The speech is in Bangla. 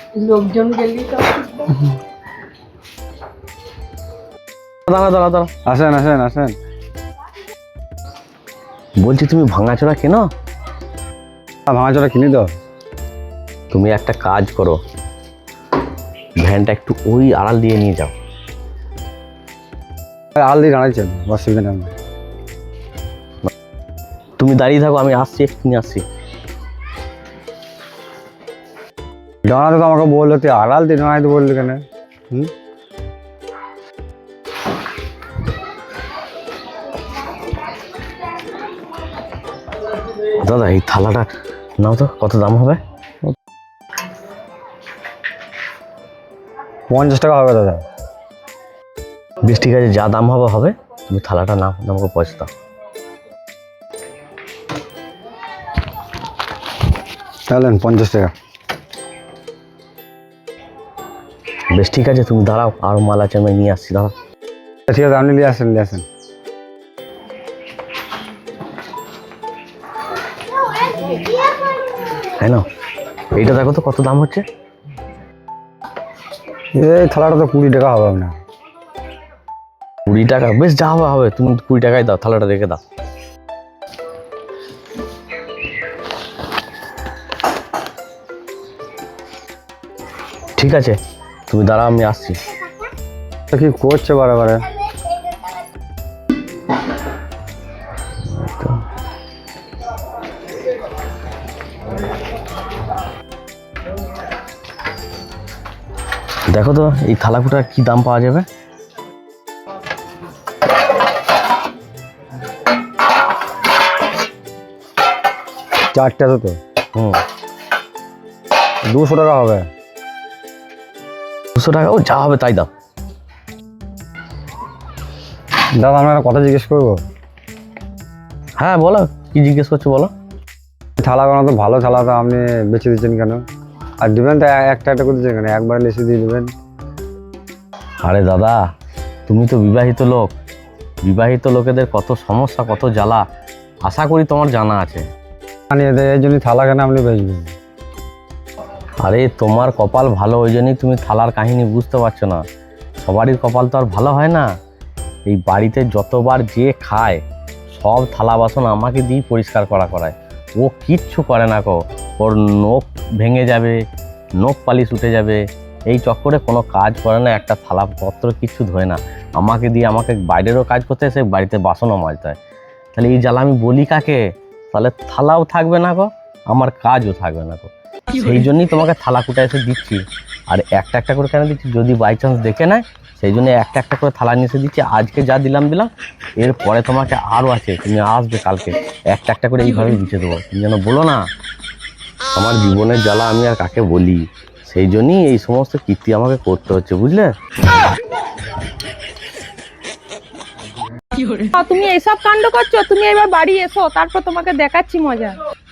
লোকজন গেলি তো দাঁড়া দাঁড়া দাঁড়া, আসেন আসেন আসেন। বলছি তুমি ভাঙাচোরা কেন? ভাঙাচোরা কিনি তো। তুমি একটা কাজ করো, ভ্যানটা একটু ওই আড়াল দিয়ে নিয়ে যাও। আল দিয়ে দাঁড়াইছেন, অসুবিধা নেই। তুমি দাঁড়িয়ে থাকো, আমি আসছি, একটু নিয়ে আসছি। দাঁড়াতে তো আমাকে বললো, তুই আড়াল দিয়ে দাঁড়াইতে বললি কেন? দাদা এই থালাটা নাও তো, কত দাম হবে? 50 টাকা হবে দাদা। বেশ ঠিক আছে, যা দাম হবে হবে, তুমি থালাটা নাও, আমাকে পয়সা দাও। তাহলে 50 টাকা। বেশ ঠিক আছে, তুমি দাঁড়াও, আরও মাল আছে, আমি নিয়ে আসছি, দাঁড়াও। ঠিক আছে, আপনি নিয়ে আসেন নিয়ে আসেন। হ্যাঁ না, এইটা দেখো তো কত দাম হচ্ছে। এই থালাটা তো 20 টাকা হবে না? 20 টাকা? বেশ, যা হবে হবে, তুমি 20 টাকায় দাও, থালাটা রেখে দাও। ঠিক আছে, তুমি দাঁড়াও, আমি আসছি। কি করছে বারে বারে? দেখো তো এই থালাকুটার কি দাম পাওয়া যাবে। চারটে তো 200 টাকা হবে। 200 টাকা? ও যা হবে তাই দাও। দাদা আমরা একটা কথা জিজ্ঞেস করবো? হ্যাঁ বলো, কি জিজ্ঞেস করছো বলো। থালাগুলো তো ভালো থালা, তো আপনি বেছে দিচ্ছেন কেন? আর দিবেন তো একটা একটা করে দিচ্ছেন কেন? একবার লিখে দিয়ে দেবেন। আরে দাদা, তুমি তো বিবাহিত লোক, বিবাহিত লোকেদের কত সমস্যা, কত জ্বালা, আশা করি তোমার জানা আছে। এই জন্য থালা কেন আপনি বেচবেন? আরে তোমার কপাল ভালো, ওই জন্যই তুমি থালার কাহিনী বুঝতে পারছো না। সবারই কপাল তো আর ভালো হয় না। এই বাড়িতে যতবার যে খায় সব থালা বাসন আমাকে দিয়েই পরিষ্কার করায়। ও কিচ্ছু করে না গো, ওর নখ ভেঙে যাবে, নখ পালিশ উঠে যাবে, এই চক্করে কোনো কাজ করে না, একটা থালাপত্র কিচ্ছু ধোয় না। আমাকে দিয়ে, আমাকে বাইরেরও কাজ করতে এসে বাড়িতে বাসনও মাজতে হয়। তাহলে এই জ্বালা আমি বলি কাকে? তাহলে থালাও থাকবে না গো, আমার কাজও থাকবে না গো। সেই জন্যই তোমাকে থালা কুটা এসে দিচ্ছি। আর একটা একটা করে কেন দিচ্ছি, যদি বাই চান্স দেখে নেয়, সেই জন্য একটা একটা করে থালা নিয়ে এসে দিচ্ছি। আজকে যা দিলাম, এরপরে তোমাকে আরও আছে, তুমি আসবে কালকে, একটা একটা করে এইভাবেই দিতে দেবো। তুমি যেন বলো না আমার জীবনের জ্বালা আমি আর কাকে বলি। সেই জন্যই এই সমস্ত কীর্তি আমাকে করতে হচ্ছে, বুঝলে? তুমি এইসব কাণ্ড করছো, তুমি এবার বাড়ি এসো, তারপর তোমাকে দেখাচ্ছি মজা।